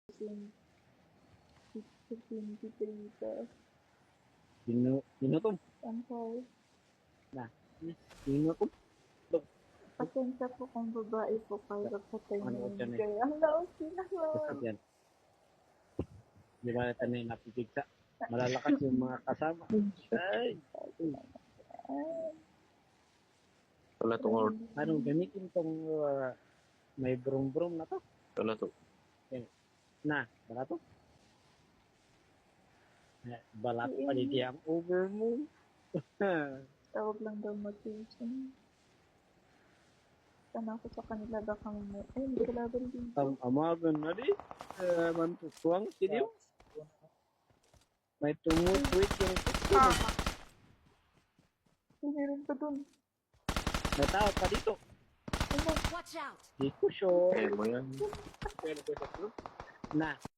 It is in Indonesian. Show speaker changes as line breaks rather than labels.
23 ka.
Binutom.
I'm sorry.
Nah, binutom.
Pasensya po kung babae po kayo patay na
Ano
yun.
dyan eh?
Kaya ang laos kinakawa.
Basta yan. Di ba natin na napipigsa? Malalakas yung mga kasama. Ay!
Wala tong or.
Anong gamitin tong may brum-brum na to?
Wala to.
Na, bala to? Balat pa di ang over mo.
Tawag lang daw motivation. Sana ako sa kanila baka may... Ay, hindi ko laban din.
Ang amagan na di. Mantutuang siniw. May tumutwit yung kusto.
Meron pa dun.
May tao pa dito.
Watch out!
Di ko sure.
Kaya mo yan.
Na,